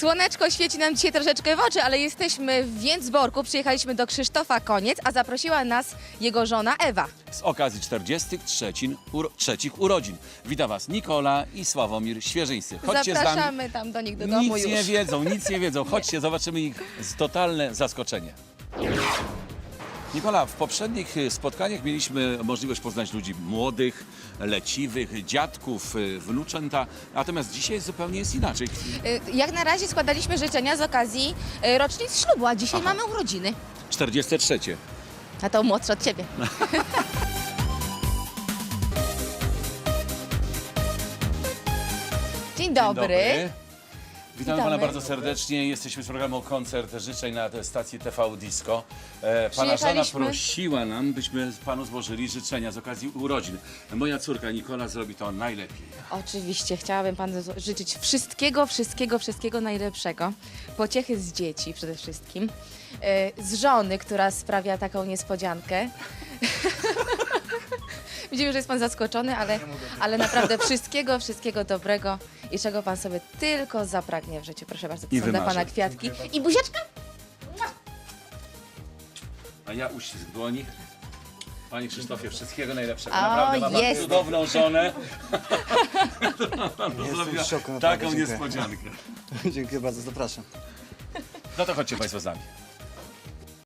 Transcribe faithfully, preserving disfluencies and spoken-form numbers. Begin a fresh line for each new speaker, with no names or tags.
Słoneczko świeci nam dzisiaj troszeczkę w oczy, ale jesteśmy w Więcborku. Przyjechaliśmy do Krzysztofa Koniec, a zaprosiła nas jego żona Ewa.
Z okazji czterdziestych trzecich urodzin. Witam Was Nikola i Sławomir Świeżyńcy. Chodźcie z nami.
Zapraszamy tam do nich do domu
Nic
już.
nie wiedzą, nic nie wiedzą. Chodźcie, zobaczymy ich z totalne zaskoczenie. Nikola, w poprzednich spotkaniach mieliśmy możliwość poznać ludzi młodych, leciwych, dziadków, wnuczęta, natomiast dzisiaj zupełnie jest inaczej.
Y, Jak na razie składaliśmy życzenia z okazji y, rocznic ślubu, a dzisiaj
Aha.
mamy urodziny.
czterdzieste trzecie.
A to młodszy od ciebie. Dzień dobry.
Witamy,
Witamy.
Pana bardzo serdecznie. Jesteśmy z programu Koncert Życzeń na stacji T V Disco. E, pana żona
Przyjechaliśmy-
prosiła nam, byśmy Panu złożyli życzenia z okazji urodzin. Moja córka Nikola zrobi to najlepiej.
Oczywiście, chciałabym panu zło- życzyć wszystkiego, wszystkiego, wszystkiego najlepszego. Pociechy z dzieci przede wszystkim. E, Z żony, która sprawia taką niespodziankę. Widzimy, że jest pan zaskoczony, ale, ale naprawdę wszystkiego, wszystkiego dobrego i czego pan sobie tylko zapragnie w życiu. Proszę bardzo, to
I
są dla
wymarzy.
pana kwiatki. I buziaczka?
A ja uścisk dłoni. Panie Krzysztofie, wszystkiego najlepszego.
O,
Naprawdę ma Pan
jest.
cudowną żonę. Pan
Jestem
zrobiła
w szoku, naprawdę,
taką
dziękuję.
niespodziankę.
Dziękuję bardzo, zapraszam.
No to chodźcie Państwo z nami.